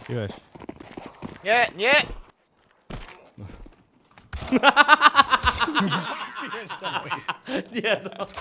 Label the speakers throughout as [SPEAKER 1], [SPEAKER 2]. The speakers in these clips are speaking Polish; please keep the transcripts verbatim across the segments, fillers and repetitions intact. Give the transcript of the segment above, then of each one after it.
[SPEAKER 1] Piłeś.
[SPEAKER 2] Nie, nie!
[SPEAKER 3] Nie no.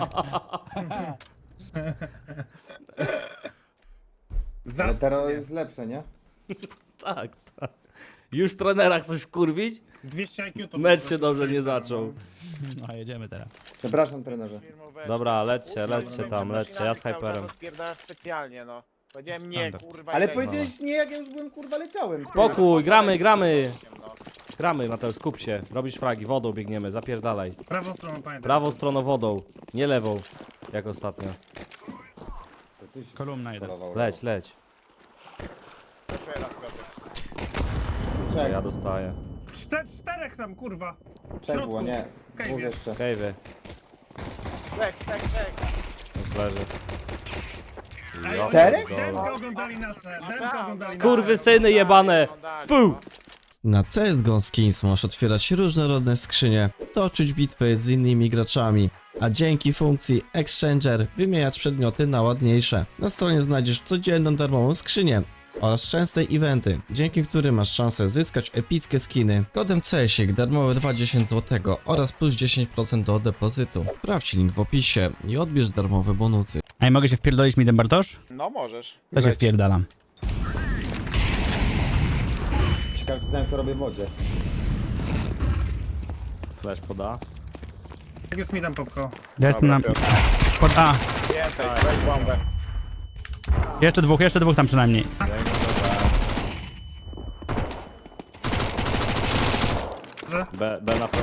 [SPEAKER 4] Ale teraz jest lepsze, nie?
[SPEAKER 3] Tak, tak. Już trenera chcesz wkurwić?
[SPEAKER 5] dwieście I Q to...
[SPEAKER 3] Mecz się dobrze nie zaczął.
[SPEAKER 1] No jedziemy teraz.
[SPEAKER 4] Przepraszam, trenerze.
[SPEAKER 3] Dobra, lećcie, lećcie tam, lećcie, ja z hyperem.
[SPEAKER 2] Spierdalasz specjalnie, no. Powiedziałem nie,
[SPEAKER 1] Standard.
[SPEAKER 2] kurwa.
[SPEAKER 4] Ale
[SPEAKER 2] i tak.
[SPEAKER 4] powiedziałeś nie, jak ja już byłem kurwa leciałem.
[SPEAKER 3] Spokój, gramy, gramy.
[SPEAKER 2] No.
[SPEAKER 3] Gramy, Mateusz, skup się. Robisz fragi, wodą biegniemy, zapierdalaj.
[SPEAKER 5] Prawą stroną, pamiętaj.
[SPEAKER 3] Prawą stroną wodą, nie lewą, jak ostatnio.
[SPEAKER 4] To ty się
[SPEAKER 1] Kolumna jeden.
[SPEAKER 4] polował.
[SPEAKER 3] Leć, leć.
[SPEAKER 2] Proszę raz, Piotr.
[SPEAKER 4] Czek,
[SPEAKER 3] Ja dostaję.
[SPEAKER 5] Czter, czterech tam, kurwa. W
[SPEAKER 4] czek
[SPEAKER 5] środku.
[SPEAKER 4] było, nie.
[SPEAKER 5] Okej,
[SPEAKER 4] Dwóch
[SPEAKER 5] wiem.
[SPEAKER 4] jeszcze.
[SPEAKER 3] Kejwy,
[SPEAKER 2] Czek, czek, czek.
[SPEAKER 3] leży.
[SPEAKER 5] Ej,
[SPEAKER 3] Ja
[SPEAKER 4] Czterech?
[SPEAKER 3] pierdolę.
[SPEAKER 5] Demka oglądali nasze, demka oglądali nasze.
[SPEAKER 3] Kurwysyny jebane! Fu!
[SPEAKER 6] Na C S G O Skins możesz otwierać różnorodne skrzynie, toczyć bitwy z innymi graczami, a dzięki funkcji Exchanger wymieniać przedmioty na ładniejsze. Na stronie znajdziesz codzienną darmową skrzynię oraz częste eventy, dzięki którym masz szansę zyskać epickie skiny. Kodem CESIK darmowe dwadzieścia złotych oraz plus dziesięć procent do depozytu. Sprawdź link w opisie i odbierz darmowe bonusy.
[SPEAKER 1] Ej, mogę się wpierdolić midem, Bartosz?
[SPEAKER 2] No możesz.
[SPEAKER 1] To się
[SPEAKER 2] Leć.
[SPEAKER 1] wpierdalam.
[SPEAKER 4] Ciekawe, czy znam, co robię w wodzie.
[SPEAKER 3] Flash poda.
[SPEAKER 5] Jak już mi tam popko.
[SPEAKER 1] Ja jestem na...
[SPEAKER 2] Dobra, Piotr.
[SPEAKER 1] Pod A.
[SPEAKER 2] Więcej, weź bombę.
[SPEAKER 1] Jeszcze dwóch, jeszcze dwóch tam przynajmniej.
[SPEAKER 3] B, B na P.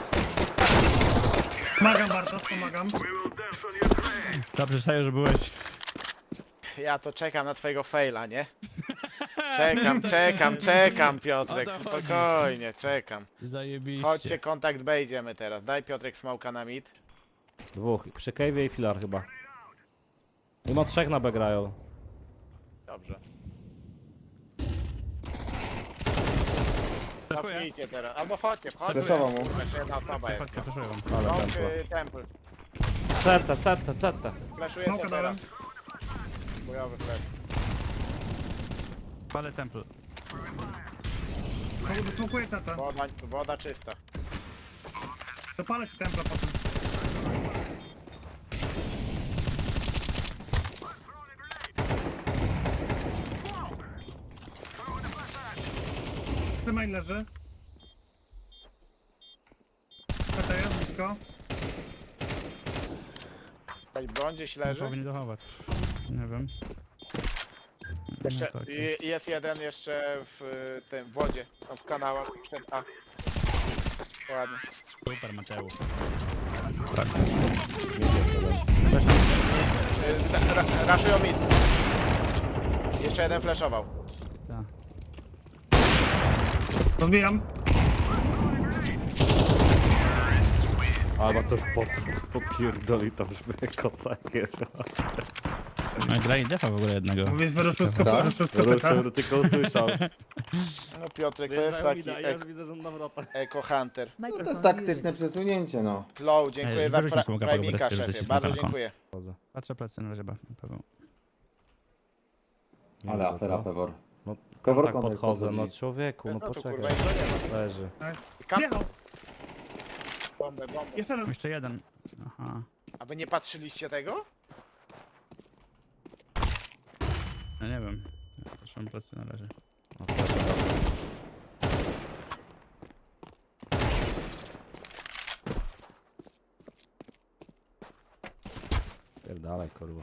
[SPEAKER 5] Pomagam, Bartosz, pomagam.
[SPEAKER 1] Dobrze, Saju, że byłeś.
[SPEAKER 2] Ja to czekam na twojego faila, nie? Czekam, czekam, czekam, Piotrek.
[SPEAKER 1] O to chodzi.
[SPEAKER 2] Spokojnie, czekam.
[SPEAKER 1] Zajebiście.
[SPEAKER 2] Chodźcie, kontakt B idziemy teraz. Daj Piotrek smoka na mid.
[SPEAKER 3] Dwóch, przy Cave'ie i filar chyba. Mimo trzech na B grają.
[SPEAKER 2] Dobrze.
[SPEAKER 1] Dziękuję.
[SPEAKER 2] Cofnijcie teraz. Albo chodźcie, chodźcie.
[SPEAKER 4] Flashował mu.
[SPEAKER 2] Jeszcze jedna osoba jest.
[SPEAKER 1] Chodźcie, proszę wam.
[SPEAKER 3] Ale
[SPEAKER 2] Long,
[SPEAKER 3] tempo.
[SPEAKER 2] y, temple.
[SPEAKER 3] Ceta, ceta, ceta.
[SPEAKER 2] Flashujecie
[SPEAKER 5] Smoka
[SPEAKER 2] teraz.
[SPEAKER 5] dałem.
[SPEAKER 2] Bojowy flash.
[SPEAKER 1] Palę temple.
[SPEAKER 5] Smokuję tata.
[SPEAKER 2] Woda, woda czysta.
[SPEAKER 5] Dopalę ci templa potem. Main leży. Tata jest blisko.
[SPEAKER 2] Jakaś broń gdzieś
[SPEAKER 1] Nie
[SPEAKER 2] leży.
[SPEAKER 1] powinien dochować. Nie wiem.
[SPEAKER 2] Jeszcze,
[SPEAKER 1] No tak,
[SPEAKER 2] i- jest jeden jeszcze w y, tym w wodzie. Tam w kanałach. Przed A. Ładnie.
[SPEAKER 1] Super, Mateusz.
[SPEAKER 2] Y, ra- ra- Raszują mid. Jeszcze jeden flashował.
[SPEAKER 1] Tak.
[SPEAKER 5] Rozbijam.
[SPEAKER 3] Albo to już po, popierdoli tam, żeby kosa jakieś.
[SPEAKER 1] No i grali defa w ogóle jednego.
[SPEAKER 5] Mówisz, wyruszył z
[SPEAKER 4] Co?
[SPEAKER 5] kopyta. Wyruszył z kopyta.
[SPEAKER 3] Ruszył, tylko usłyszał.
[SPEAKER 2] No Piotrek to jest taki
[SPEAKER 3] Ja już
[SPEAKER 2] eko,
[SPEAKER 3] widzę, że on na wrotach.
[SPEAKER 2] eko hunter.
[SPEAKER 4] No to jest taktyczne przesunięcie, no.
[SPEAKER 2] Flow, dziękuję
[SPEAKER 1] Ej,
[SPEAKER 2] za
[SPEAKER 1] wyrzućmy
[SPEAKER 2] pra-
[SPEAKER 1] smoka po
[SPEAKER 2] primika,
[SPEAKER 1] prostu, że
[SPEAKER 2] szefie.
[SPEAKER 1] jesteśmy
[SPEAKER 2] Bardzo
[SPEAKER 1] na taką.
[SPEAKER 2] dziękuję.
[SPEAKER 1] Patrzę plecy na razie, ba- Paweł.
[SPEAKER 4] Ale afera, Pewor.
[SPEAKER 3] No,
[SPEAKER 4] Pewor
[SPEAKER 3] tak
[SPEAKER 4] kontakt
[SPEAKER 3] podchodzę, no
[SPEAKER 4] podchodzi.
[SPEAKER 3] człowieku, no
[SPEAKER 2] No to
[SPEAKER 3] poczekaj.
[SPEAKER 2] kurwa i to nie ma.
[SPEAKER 3] Leży.
[SPEAKER 2] Kam-
[SPEAKER 5] Jechał.
[SPEAKER 2] Bombę, bombę.
[SPEAKER 5] Jeszcze jeden.
[SPEAKER 1] Jeszcze jeden. Aha.
[SPEAKER 2] A wy nie patrzyliście tego?
[SPEAKER 1] Ja nie wiem. Ja patrzę na plecy na razie.
[SPEAKER 3] No, proszę bardzo. Pierdalaj, kurwa.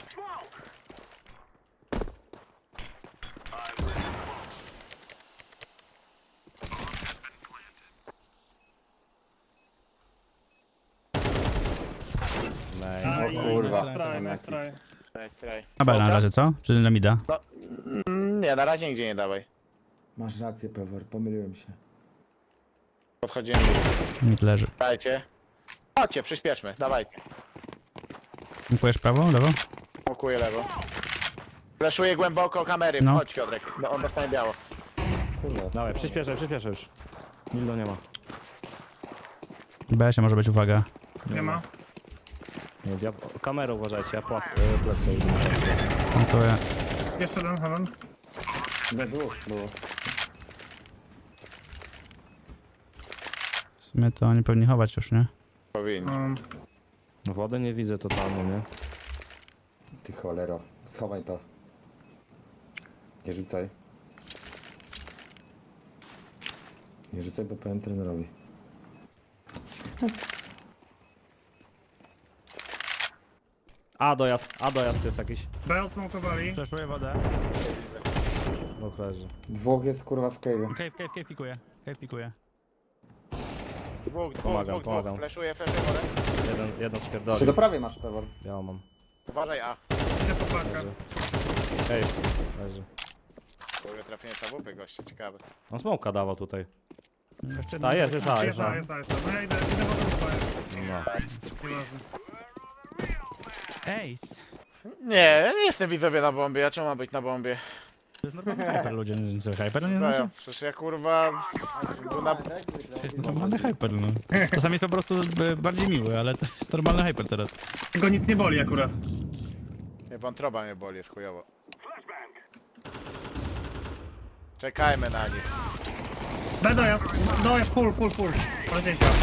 [SPEAKER 3] Nej.
[SPEAKER 5] Aj,
[SPEAKER 4] O kurwa.
[SPEAKER 5] nice try, nice try.
[SPEAKER 2] Nice try.
[SPEAKER 1] Na B na razie, co? Czy na mida?
[SPEAKER 2] Mm, Nie, na razie nigdzie nie dawaj.
[SPEAKER 4] Masz rację, Pewor, pomyliłem się.
[SPEAKER 2] Podchodzimy.
[SPEAKER 1] Mid leży.
[SPEAKER 2] Dajcie. Chodźcie, przyspieszmy, dawajcie.
[SPEAKER 1] Dziękujesz prawo, lewo?
[SPEAKER 2] Mokuję lewo. Fleszuję głęboko kamery,
[SPEAKER 1] No.
[SPEAKER 2] chodź Piotrek. No, on dostanie biało.
[SPEAKER 4] Kurwa.
[SPEAKER 3] Dawaj, przyspieszę, przyspieszę już. Nildo nie ma.
[SPEAKER 1] B się może być, uwaga.
[SPEAKER 5] Nie ma.
[SPEAKER 3] Nie, ja, kamerę uważajcie, ja pław, y, plecy.
[SPEAKER 1] Dziękuję.
[SPEAKER 5] Jeszcze jeden, heaven.
[SPEAKER 4] Na dwóch było.
[SPEAKER 1] W sumie to oni powinni chować już, nie?
[SPEAKER 2] Powinni.
[SPEAKER 5] Um,
[SPEAKER 3] Wody nie widzę totalnie, nie?
[SPEAKER 4] Ty cholero. Schowaj to. Nie rzucaj. Nie rzucaj, bo powiem trenerowi.
[SPEAKER 3] A dojazd, a dojazd jest jakiś.
[SPEAKER 5] B odsmokowali.
[SPEAKER 1] Przeszuję wodę.
[SPEAKER 3] Dwóch leży.
[SPEAKER 4] Dwóch jest kurwa w cave'ie.
[SPEAKER 1] Cave, cave, cave pikuje. Cave pikuje.
[SPEAKER 2] Dwóch, dwóch,
[SPEAKER 3] Pomagam,
[SPEAKER 2] dwóch,
[SPEAKER 3] pomagam.
[SPEAKER 2] dwóch. Fleszuję, fleszuję wodę.
[SPEAKER 3] Jeden, jeden
[SPEAKER 4] Czy
[SPEAKER 3] spierdoli.
[SPEAKER 4] do prawej masz pewor?
[SPEAKER 3] Ja mam.
[SPEAKER 2] Uważaj, A.
[SPEAKER 5] Idę po pakę.
[SPEAKER 3] Leży. Ej, leży.
[SPEAKER 2] Kurde, trafienie tabupy, goście, ciekawe.
[SPEAKER 3] On smoka dawał tutaj.
[SPEAKER 1] Jeszcze
[SPEAKER 3] A jest, jest, a, jest,
[SPEAKER 5] Jest A,
[SPEAKER 3] a.
[SPEAKER 5] jest A, jest A. No ja idę, idę po tą swoje.
[SPEAKER 3] No.
[SPEAKER 5] Nieważne.
[SPEAKER 1] Ace!
[SPEAKER 2] Nie, nie jestem widzowie na bombie, a czemu mam być na bombie?
[SPEAKER 1] To jest normalny hyper, ludzie. Co, hyper nie
[SPEAKER 2] No
[SPEAKER 1] znaczy?
[SPEAKER 2] ja, przecież ja kurwa... był na...
[SPEAKER 1] To jest normalny hyper, no. Czasami jest po prostu e, bardziej miły, ale to jest normalny hyper teraz.
[SPEAKER 5] Go nic nie boli akurat.
[SPEAKER 2] Nie, wątroba mnie boli, jest chujowo. Czekajmy na nich.
[SPEAKER 5] B dojazd. Dojazd, full, full, full. Polecieć się.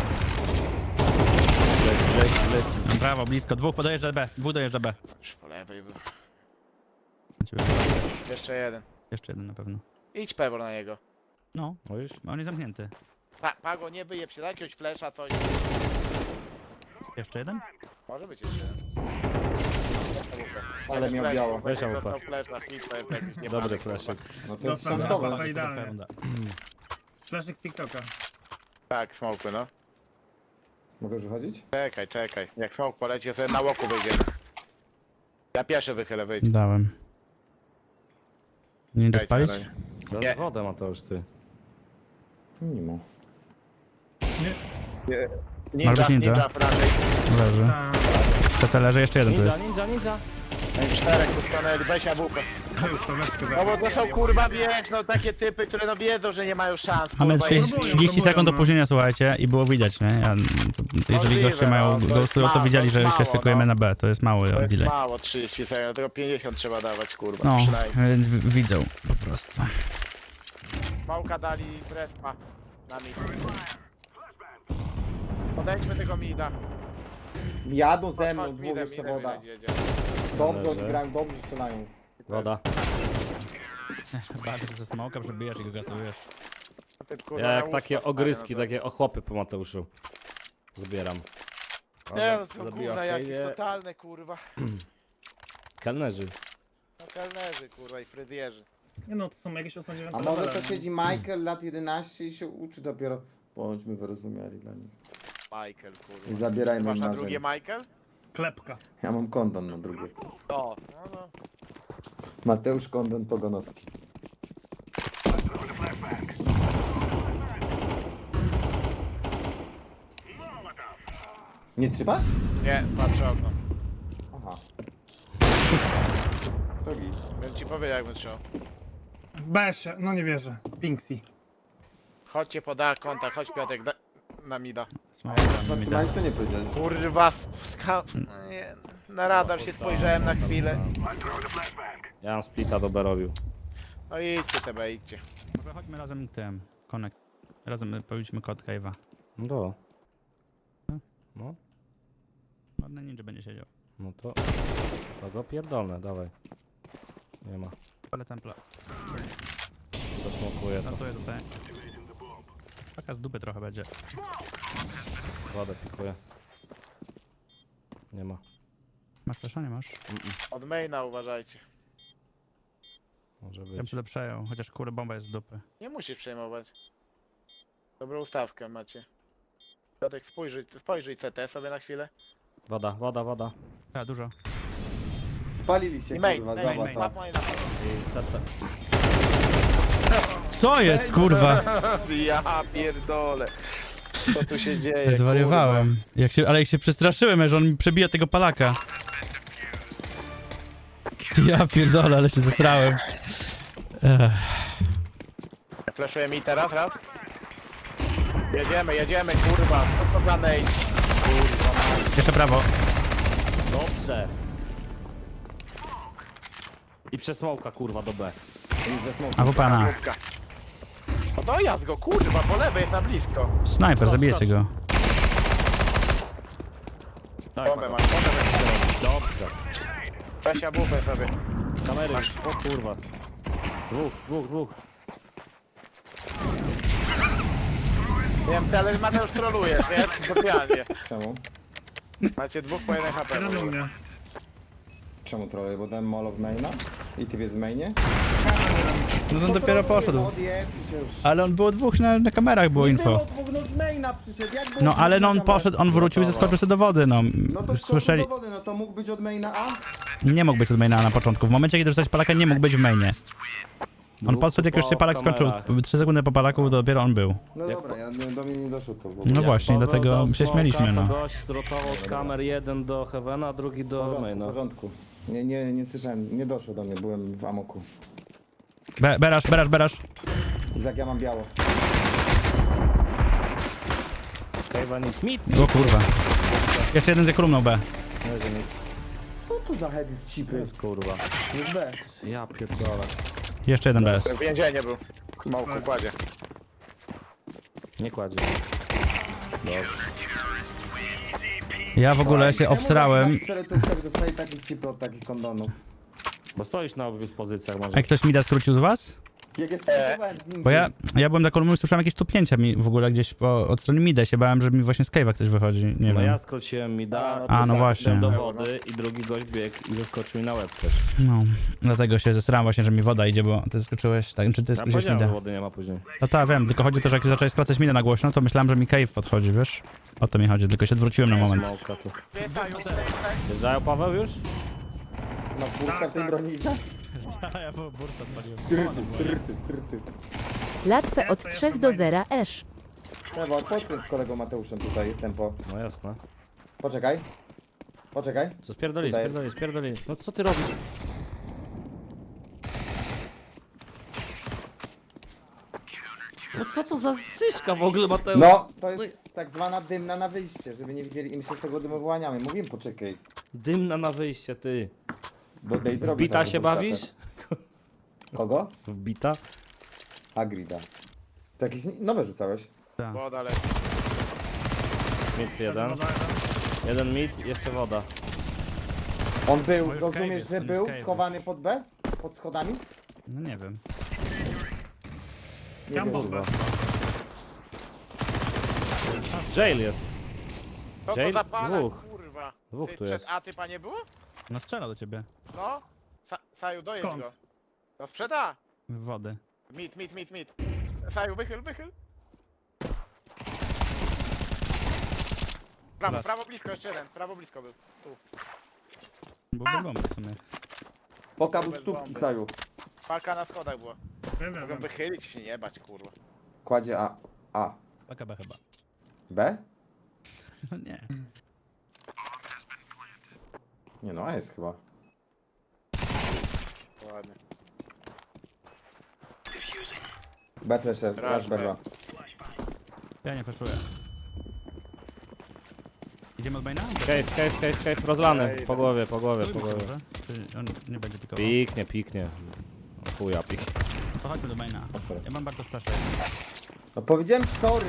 [SPEAKER 3] Leci, leci, leci.
[SPEAKER 1] Brawo, blisko. Dwóch podojeżdża B. Dwóch dojeżdża B.
[SPEAKER 2] Już po lewej był.
[SPEAKER 1] Ciebie.
[SPEAKER 2] Jeszcze jeden.
[SPEAKER 1] Jeszcze jeden na pewno.
[SPEAKER 2] Idź pewor na niego.
[SPEAKER 1] No,
[SPEAKER 3] No już?
[SPEAKER 1] on jest zamknięty.
[SPEAKER 2] Pa, Pago, nie wyjeb się, daj jakiegoś flesza, coś.
[SPEAKER 1] Jeszcze jeden?
[SPEAKER 2] Może być jeszcze jeden.
[SPEAKER 4] Ale miał biało.
[SPEAKER 3] Weź A W P.
[SPEAKER 2] Został flash na hit, to jest jakiś
[SPEAKER 3] Dobry
[SPEAKER 2] niepadek,
[SPEAKER 3] fleszek.
[SPEAKER 4] No to jest
[SPEAKER 5] Dostał
[SPEAKER 4] szantowe.
[SPEAKER 5] brawo. idealnie.
[SPEAKER 1] Runda.
[SPEAKER 5] Flashik z TikToka.
[SPEAKER 2] Tak, smoke, no.
[SPEAKER 4] Mogę już wychodzić?
[SPEAKER 2] Czekaj, czekaj. Jak smoke poleci, to sobie na łoku wyjdzie. Ja pierwszy wychylę, wyjdź.
[SPEAKER 1] Dałem. Nie idę
[SPEAKER 2] Czekajcie,
[SPEAKER 1] spalić?
[SPEAKER 2] no.
[SPEAKER 3] Teraz wodę ma to już ty.
[SPEAKER 4] Nie ma.
[SPEAKER 2] Ninja,
[SPEAKER 1] być ninja.
[SPEAKER 2] ninja, raczej.
[SPEAKER 1] Leży.
[SPEAKER 5] Ta.
[SPEAKER 1] To te leży, jeszcze jeden tu
[SPEAKER 3] Ninja,
[SPEAKER 1] jest.
[SPEAKER 3] ninja, ninja.
[SPEAKER 2] No i czterech tu stanęli, weź jabłko.
[SPEAKER 5] Już to leczkę
[SPEAKER 2] No bo to są kurwa, wiesz, no takie typy, które no wiedzą, że nie mają szans,
[SPEAKER 1] Mamy
[SPEAKER 2] kurwa.
[SPEAKER 1] trzydzieści,
[SPEAKER 5] próbują,
[SPEAKER 1] trzydzieści sekund
[SPEAKER 5] próbują, no.
[SPEAKER 1] opóźnienia, słuchajcie, i było widać, nie? Ja, to, jeżeli
[SPEAKER 2] Możliwe,
[SPEAKER 1] goście mają
[SPEAKER 2] no, to jest
[SPEAKER 1] ghostują, to
[SPEAKER 2] mało,
[SPEAKER 1] widzieli,
[SPEAKER 2] to
[SPEAKER 1] że
[SPEAKER 2] jest
[SPEAKER 1] się
[SPEAKER 2] mało,
[SPEAKER 1] szykujemy
[SPEAKER 2] no.
[SPEAKER 1] na B. To jest mały
[SPEAKER 2] To jest
[SPEAKER 1] delay.
[SPEAKER 2] mało, trzydzieści sekund, tylko pięćdziesiąt trzeba dawać, kurwa,
[SPEAKER 1] No,
[SPEAKER 2] przynajmniej.
[SPEAKER 1] więc w- widzą po prostu.
[SPEAKER 2] Małka dali respa na mid. Podejdźmy tego mida.
[SPEAKER 4] Jadą ze mną,
[SPEAKER 2] Chodź,
[SPEAKER 4] dwóch
[SPEAKER 2] midem,
[SPEAKER 4] jeszcze
[SPEAKER 2] midem,
[SPEAKER 4] woda.
[SPEAKER 2] midem jedzie.
[SPEAKER 4] Dobrze
[SPEAKER 3] Leży.
[SPEAKER 4] odgrają, dobrze strzelają.
[SPEAKER 3] Woda.
[SPEAKER 1] Bardzo ze smoka przebijasz i go gasujesz.
[SPEAKER 2] Ty, kurwa,
[SPEAKER 3] Ja
[SPEAKER 2] na
[SPEAKER 3] jak
[SPEAKER 2] łóżko
[SPEAKER 3] takie
[SPEAKER 2] stary,
[SPEAKER 3] ogryski,
[SPEAKER 2] no to-
[SPEAKER 3] takie ochłopy po Mateuszu. Zbieram.
[SPEAKER 2] Nie, no to
[SPEAKER 3] Zabiła
[SPEAKER 2] gówna jakieś
[SPEAKER 3] Kejwie.
[SPEAKER 2] totalne, kurwa.
[SPEAKER 3] Kelnerzy.
[SPEAKER 2] No kelnerzy, kurwa, i fryzjerzy.
[SPEAKER 5] Nie no, to są jakieś ósme dziewiąte
[SPEAKER 4] A może
[SPEAKER 5] levele.
[SPEAKER 4] to siedzi Michael, lat jedenaście i się uczy dopiero. Bądźmy wyrozumiali dla nich.
[SPEAKER 2] Michael, kurwa.
[SPEAKER 4] I zabierajmy
[SPEAKER 2] Masz
[SPEAKER 4] im
[SPEAKER 2] na
[SPEAKER 4] marzeń.
[SPEAKER 2] drugie Michael?
[SPEAKER 5] Klepka.
[SPEAKER 4] Ja mam kondon na drugie.
[SPEAKER 2] O, no, no.
[SPEAKER 4] Mateusz Kondon Pogonowski. Nie trzymasz?
[SPEAKER 2] Nie, patrzę okno.
[SPEAKER 4] Aha. To git.
[SPEAKER 2] Bym ci powiedział, jakbym trzymał.
[SPEAKER 5] W B S ie, no nie wierzę. Pinksy.
[SPEAKER 2] Chodźcie poda kontakt, chodź Piotrek, da, na mida.
[SPEAKER 1] Smoka
[SPEAKER 4] No
[SPEAKER 1] mi da.
[SPEAKER 4] trzymałeś to nie powiedziałeś.
[SPEAKER 2] Kurwa, ska... no nie, na radar się spojrzałem na chwilę.
[SPEAKER 3] Ja mam splita do B robił.
[SPEAKER 2] No idźcie tebe, idźcie.
[SPEAKER 1] Może chodźmy razem tym, connect. Razem powinniśmy kod cave'a.
[SPEAKER 3] No to. No,
[SPEAKER 1] Ładny ninja będzie siedział.
[SPEAKER 3] no to. To go pierdolne, dawaj. Nie ma.
[SPEAKER 1] Ale templa.
[SPEAKER 3] Zasmokuję to.
[SPEAKER 1] Ratuję tutaj. Taka z dupy trochę będzie.
[SPEAKER 3] Wodę pikuję. Nie ma.
[SPEAKER 1] Masz flasha, nie masz?
[SPEAKER 2] Od maina uważajcie.
[SPEAKER 3] Może
[SPEAKER 1] Ja bym
[SPEAKER 3] być.
[SPEAKER 1] sobie przejął, chociaż kurde bomba jest z dupy.
[SPEAKER 2] Nie musisz przejmować. Dobrą ustawkę macie. Piotrek, spojrzyj, spojrzyj C T sobie na chwilę.
[SPEAKER 3] Woda, woda, woda.
[SPEAKER 1] A, dużo.
[SPEAKER 4] Spalili się
[SPEAKER 2] I main,
[SPEAKER 4] kurwa,
[SPEAKER 2] main, main,
[SPEAKER 4] zobacz.
[SPEAKER 2] main,
[SPEAKER 4] to.
[SPEAKER 2] main.
[SPEAKER 3] I C T.
[SPEAKER 1] Co jest, kurwa?
[SPEAKER 2] Ja pierdolę. Co tu się dzieje?
[SPEAKER 1] Zwariowałem. Jak się, ale jak się przestraszyłem, że on mi przebija tego palaka. Ja pierdolę, ale się zesrałem. Ech.
[SPEAKER 2] Kurwa. Fleszuje mi teraz raz. Jedziemy, jedziemy, kurwa. Co to za nate? Kurwa.
[SPEAKER 1] Jeszcze prawo.
[SPEAKER 3] Dobrze. I przesmołka kurwa do B.
[SPEAKER 4] Jest ze smoku.
[SPEAKER 1] A w pana.
[SPEAKER 2] Główka. O dojazd go, kurwa, po lewej jest na blisko.
[SPEAKER 1] Snajper, zabijecie go.
[SPEAKER 3] Tak,
[SPEAKER 2] Bombę
[SPEAKER 3] Mago.
[SPEAKER 2] masz, bombę masz.
[SPEAKER 3] Dobrze.
[SPEAKER 2] Weź ja bufę sobie.
[SPEAKER 3] Kamery. O kurwa. Dwóch, dwóch, dwóch.
[SPEAKER 2] Nie wiem, ty, ale Mateusz trolujesz, nie? Specjalnie.
[SPEAKER 4] Czemu?
[SPEAKER 2] Macie dwóch po jeden H P.
[SPEAKER 5] Jeden u mnie.
[SPEAKER 4] Czemu trolej? Bo dałem molo w maina? I ty jest w mainie?
[SPEAKER 1] No
[SPEAKER 4] Co
[SPEAKER 1] on dopiero
[SPEAKER 4] troluje?
[SPEAKER 1] poszedł.
[SPEAKER 4] No odjebcie się już.
[SPEAKER 1] Ale on było dwóch na, na kamerach, było
[SPEAKER 4] Nie
[SPEAKER 1] info.
[SPEAKER 4] było dwóch, no z maina przyszedł, jak było
[SPEAKER 1] No
[SPEAKER 4] dwóch
[SPEAKER 1] ale
[SPEAKER 4] na
[SPEAKER 1] no on
[SPEAKER 4] kamerach?
[SPEAKER 1] poszedł, on wrócił i zeskoczył sobie do wody, no.
[SPEAKER 4] No to
[SPEAKER 1] Słyszeli,
[SPEAKER 4] do wody, no to mógł być od maina A?
[SPEAKER 1] nie mógł być od maina na początku. W momencie, kiedy rzucać palaka, nie mógł być w mainie. On
[SPEAKER 3] Dwóch
[SPEAKER 1] podszedł, jak już się
[SPEAKER 3] po
[SPEAKER 1] palak skończył.
[SPEAKER 3] kamerach.
[SPEAKER 1] trzy sekundy po palaku, dopiero on był.
[SPEAKER 4] No
[SPEAKER 3] Jak
[SPEAKER 4] dobra, ja, do mnie nie doszło to w ogóle.
[SPEAKER 1] No
[SPEAKER 3] Jak
[SPEAKER 1] właśnie,
[SPEAKER 3] Paweł
[SPEAKER 1] dlatego
[SPEAKER 3] dał
[SPEAKER 1] się
[SPEAKER 3] smoka,
[SPEAKER 1] śmieliśmy,
[SPEAKER 3] to
[SPEAKER 1] no.
[SPEAKER 3] gość zrotował z kamer jeden do Heavena, a drugi
[SPEAKER 4] W
[SPEAKER 3] do
[SPEAKER 4] porządku, w
[SPEAKER 3] maina.
[SPEAKER 4] porządku. Nie, nie, nie słyszałem, nie doszło do mnie, byłem w amoku.
[SPEAKER 1] Be, berasz, berasz, berasz.
[SPEAKER 4] Izak, ja mam biało.
[SPEAKER 3] Kejwa nic. Mit,
[SPEAKER 1] O kurwa. Jeszcze jeden z kolumną B.
[SPEAKER 3] Leży mit.
[SPEAKER 4] Co to za heady z cipy?
[SPEAKER 3] Kurwa.
[SPEAKER 4] Jest B.
[SPEAKER 3] Ja pierdolę.
[SPEAKER 1] Jeszcze jeden B S.
[SPEAKER 2] W więzieniu był. W małku kładzie.
[SPEAKER 3] Nie kładzie. Dobrze.
[SPEAKER 1] Ja w ogóle się obsrałem.
[SPEAKER 4] Jak dostali takie cipy od takich kondonów.
[SPEAKER 3] Bo stoisz na obydwu pozycjach może.
[SPEAKER 1] A ktoś mi da skrócił z was?
[SPEAKER 4] Jak jest startowałem z nim.
[SPEAKER 1] Bo ja, ja byłem na kolumnie i słyszałem jakieś tupnięcia mi w ogóle gdzieś po, od strony mida. Się bałem, że mi właśnie z cave'a ktoś wychodzi. Nie
[SPEAKER 3] No
[SPEAKER 1] wiem.
[SPEAKER 3] ja skróciłem mi da.
[SPEAKER 1] A, no właśnie.
[SPEAKER 3] do wody i drugi gość biegł i zeskoczył mi na łeb też.
[SPEAKER 1] No, dlatego się zesrałem właśnie, że mi woda idzie, bo ty skoczyłeś, tak, czy ty
[SPEAKER 3] Ja
[SPEAKER 1] skoczyłeś
[SPEAKER 3] powiedziałem, że
[SPEAKER 1] mida?
[SPEAKER 3] wody nie ma później.
[SPEAKER 1] No tak, wiem, tylko chodzi też, że jak zacząłeś skracać mida na głośno, to myślałem, że mi cave podchodzi, wiesz? O to mi chodzi, tylko się odwróciłem na moment.
[SPEAKER 3] Smoka tu.
[SPEAKER 2] Wjeżdżają,
[SPEAKER 3] Wjeżdżają Paweł już?
[SPEAKER 4] Masz bursta w tej broni, Izak?
[SPEAKER 1] Ja po burst odpaliłem.
[SPEAKER 4] Trty, trty, trty.
[SPEAKER 7] Łatwe od trzech do zera esz.
[SPEAKER 4] Trzeba, podkręć z kolegą Mateuszem tutaj tempo.
[SPEAKER 3] No jasne.
[SPEAKER 4] Poczekaj. Poczekaj.
[SPEAKER 3] Co spierdoli,
[SPEAKER 4] Tutaj.
[SPEAKER 3] spierdoli, spierdoli. No co ty robisz? No co to za szyszka w ogóle, Mateusz?
[SPEAKER 4] No, to jest tak zwana dymna na wyjście, żeby nie widzieli, im się z tego dymu wyłaniamy. Mówiłem, poczekaj.
[SPEAKER 3] Dymna na wyjście, ty.
[SPEAKER 4] Bo dej
[SPEAKER 3] W
[SPEAKER 4] drogi
[SPEAKER 3] bita
[SPEAKER 4] trochę
[SPEAKER 3] się
[SPEAKER 4] pod
[SPEAKER 3] bawisz?
[SPEAKER 4] światem. Kogo?
[SPEAKER 3] W bita?
[SPEAKER 4] Agrida. To jakieś nowe rzucałeś?
[SPEAKER 2] woda leci.
[SPEAKER 3] Mid jeden. Jeden mid, jeszcze woda.
[SPEAKER 4] On był,
[SPEAKER 1] No już
[SPEAKER 4] rozumiesz,
[SPEAKER 1] cave
[SPEAKER 4] że
[SPEAKER 1] jest,
[SPEAKER 4] był
[SPEAKER 1] on już
[SPEAKER 4] schowany pod B? Pod schodami?
[SPEAKER 1] No nie wiem.
[SPEAKER 4] Nie
[SPEAKER 5] Tam
[SPEAKER 4] wiem.
[SPEAKER 5] był
[SPEAKER 4] chyba.
[SPEAKER 5] B.
[SPEAKER 3] Jail jest.
[SPEAKER 2] Co to
[SPEAKER 3] Jail?
[SPEAKER 2] za palak,
[SPEAKER 3] Dwóch.
[SPEAKER 2] kurwa?
[SPEAKER 3] Dwóch
[SPEAKER 2] Ty
[SPEAKER 3] tu
[SPEAKER 2] przed
[SPEAKER 3] jest.
[SPEAKER 2] A typa nie było?
[SPEAKER 1] No strzela do ciebie.
[SPEAKER 2] No. Sa Saju, dojedź
[SPEAKER 5] Skąd?
[SPEAKER 2] go. No sprzed A.
[SPEAKER 1] W wody.
[SPEAKER 2] Mit, mit, mit, mit. Saju, wychyl, wychyl. Prawo,
[SPEAKER 1] Las.
[SPEAKER 2] prawo blisko, jeszcze jeden. Prawo blisko był. Tu.
[SPEAKER 1] Bo bez bomby w sumie.
[SPEAKER 4] Poka był
[SPEAKER 2] Bez
[SPEAKER 4] stópki,
[SPEAKER 2] bomby.
[SPEAKER 4] Saju.
[SPEAKER 2] Palka na schodach była.
[SPEAKER 5] Wiem, wiem,
[SPEAKER 2] Mogę
[SPEAKER 5] wiem.
[SPEAKER 2] wychylić i się nie bać, kurwa.
[SPEAKER 4] Kładzie A. A.
[SPEAKER 1] A K B chyba.
[SPEAKER 4] B?
[SPEAKER 1] No nie.
[SPEAKER 4] Nie no, A jest chyba.
[SPEAKER 2] Ładnie.
[SPEAKER 4] B flasher,
[SPEAKER 2] Rush
[SPEAKER 4] rush B
[SPEAKER 2] B.
[SPEAKER 4] dwa.
[SPEAKER 1] Ja nie flashuję. Idziemy od maina?
[SPEAKER 3] Cave, cave, cave, cave, rozlany.
[SPEAKER 2] Ej,
[SPEAKER 3] Po głowie, po głowie, po
[SPEAKER 1] Spróbujmy
[SPEAKER 3] głowie.
[SPEAKER 1] może. Czy on nie będzie pikował?
[SPEAKER 3] Piknie, piknie. O chuja, piknie.
[SPEAKER 1] To chodźmy do maina.
[SPEAKER 4] sorry.
[SPEAKER 1] Ja mam bardzo splash.
[SPEAKER 4] No powiedziałem sorry.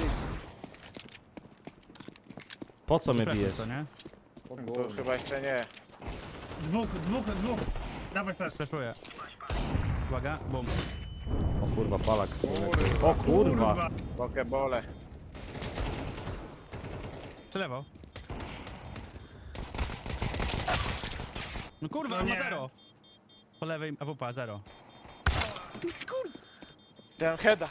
[SPEAKER 3] Po co mnie
[SPEAKER 1] Flashuj
[SPEAKER 3] bijesz?
[SPEAKER 1] to, nie?
[SPEAKER 4] O
[SPEAKER 2] To
[SPEAKER 4] Boże.
[SPEAKER 2] chyba jeszcze nie.
[SPEAKER 5] Dwóch, dwóch, dwóch. Dawaj flash.
[SPEAKER 1] Flashuję. Uwaga, bum.
[SPEAKER 3] O kurwa, palak.
[SPEAKER 2] Kurwa.
[SPEAKER 3] O kurwa.
[SPEAKER 2] Pokebole.
[SPEAKER 1] Przelewał. No kurwa,
[SPEAKER 5] No
[SPEAKER 1] on ma
[SPEAKER 5] nie.
[SPEAKER 1] zero. Po lewej A W P zero.
[SPEAKER 2] Ten heada.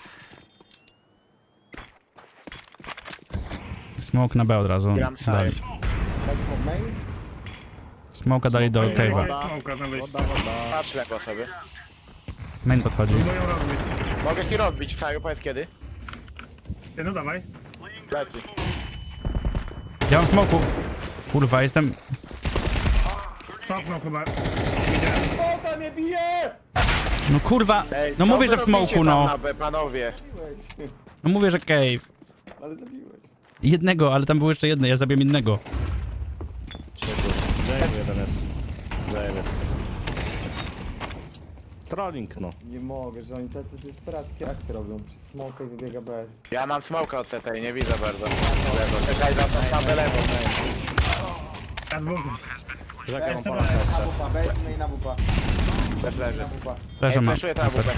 [SPEAKER 1] Smoke na B od razu.
[SPEAKER 2] Gram side.
[SPEAKER 1] Dali.
[SPEAKER 4] Dać smoke main?
[SPEAKER 1] Smoke'a dali do
[SPEAKER 3] Smoke main.
[SPEAKER 1] cave'a.
[SPEAKER 3] Woda.
[SPEAKER 5] Smoka na wyjście.
[SPEAKER 3] Woda, woda.
[SPEAKER 2] Patrz lekko sobie.
[SPEAKER 1] Main podchodzi.
[SPEAKER 5] Próbują robić.
[SPEAKER 2] Mogę ci rozbić, Saju, powiedz kiedy.
[SPEAKER 5] Ty, no dawaj.
[SPEAKER 2] Leci.
[SPEAKER 1] Ja mam smoku. Kurwa, jestem...
[SPEAKER 5] Cofnął chyba.
[SPEAKER 4] O, tam mnie bije!
[SPEAKER 1] No kurwa,
[SPEAKER 2] Ej,
[SPEAKER 1] no
[SPEAKER 2] co
[SPEAKER 1] mówię,
[SPEAKER 2] wy
[SPEAKER 1] że w
[SPEAKER 2] robicie
[SPEAKER 1] smoku,
[SPEAKER 2] tam
[SPEAKER 1] no.
[SPEAKER 2] na B, panowie.
[SPEAKER 4] Zabiłeś.
[SPEAKER 1] No mówię, że cave.
[SPEAKER 4] Ale zabiłeś.
[SPEAKER 1] Jednego, ale tam był jeszcze jedno, ja zabiłem innego.
[SPEAKER 3] Jail jeden jest. Jail jest. Trolling, no.
[SPEAKER 4] Nie mogę, że oni tacy desperackie akty robią. Przez smoka i wybiega B S.
[SPEAKER 2] Ja mam smoka od C T i nie widzę bardzo. Lewo, czekaj za to, na lewo.
[SPEAKER 5] Ja dwóch.
[SPEAKER 3] Czekaj, mam
[SPEAKER 5] Jeszcze
[SPEAKER 3] pana
[SPEAKER 5] raz.
[SPEAKER 4] Na
[SPEAKER 3] jeszcze.
[SPEAKER 4] wupa, B S no i na wupa.
[SPEAKER 2] Też leży.
[SPEAKER 4] Na wupa.
[SPEAKER 1] Leżę
[SPEAKER 2] Ej,
[SPEAKER 1] ma.
[SPEAKER 2] flashuję to na bubę.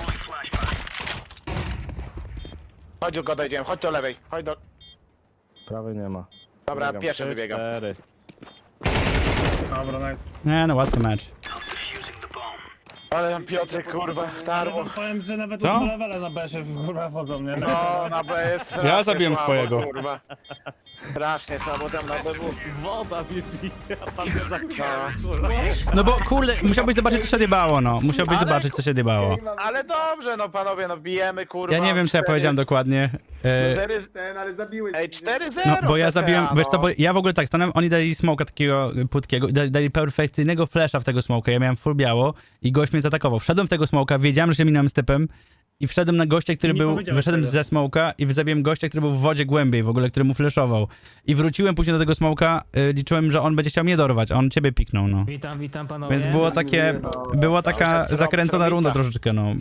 [SPEAKER 2] Chodź go dojdziemy, chodź do lewej, chodź do...
[SPEAKER 3] Prawej nie ma.
[SPEAKER 2] Dobra,
[SPEAKER 3] Wybiegam.
[SPEAKER 2] pierwszy
[SPEAKER 3] Trzy,
[SPEAKER 2] wybiegam.
[SPEAKER 3] cztery.
[SPEAKER 5] Dobra, nice.
[SPEAKER 1] Nie no, łatwy mecz.
[SPEAKER 2] Ale tam Piotrek, kurwa,
[SPEAKER 5] Ale
[SPEAKER 2] tarło.
[SPEAKER 5] wam powiem, że nawet
[SPEAKER 1] Co?
[SPEAKER 5] od levele na B się kurwa wchodzą, nie?
[SPEAKER 2] No, na B jest strasznie
[SPEAKER 1] Ja zabiłem
[SPEAKER 2] słabo,
[SPEAKER 1] swojego.
[SPEAKER 2] Kurwa. Strasznie słabo tam na B W.
[SPEAKER 3] Woda mnie bije, a pan mnie
[SPEAKER 2] No.
[SPEAKER 3] zaciąga.
[SPEAKER 1] No bo kurde, musiałbyś zobaczyć co się odjebało, no. Musiałbyś
[SPEAKER 2] Ale-
[SPEAKER 1] zobaczyć co się odjebało.
[SPEAKER 2] Ale dobrze, no panowie, no bijemy, kurwa.
[SPEAKER 1] Ja nie wiem co ja
[SPEAKER 2] cztery-
[SPEAKER 1] powiedziałem dokładnie. E,
[SPEAKER 2] cztery-
[SPEAKER 4] Ten, ale zabiłeś.
[SPEAKER 2] Ej, cztery zero.
[SPEAKER 1] No, bo ja
[SPEAKER 2] P T A,
[SPEAKER 1] zabiłem, wiesz co,
[SPEAKER 2] no.
[SPEAKER 1] bo ja w ogóle tak stanąłem, oni dali smoka takiego płytkiego, i dali, dali perfekcyjnego flasha w tego smoka, ja miałem full biało i gość mnie zaatakował. Wszedłem w tego smoka, wiedziałem, że się minąłem z typem i wszedłem na gościa, który
[SPEAKER 5] Nie
[SPEAKER 1] był,
[SPEAKER 5] powiedziałeś
[SPEAKER 1] wyszedłem
[SPEAKER 5] tego.
[SPEAKER 1] ze smoka i zabiłem gościa, który był w wodzie głębiej w ogóle, który mu flashował. I wróciłem później do tego smoka, y, liczyłem, że on będzie chciał mnie dorwać, a on ciebie piknął, no.
[SPEAKER 8] Witam, witam panowie.
[SPEAKER 1] Więc było takie, była taka
[SPEAKER 2] Dobrze,
[SPEAKER 1] zakręcona
[SPEAKER 2] zrobica.
[SPEAKER 1] runda troszeczkę, no.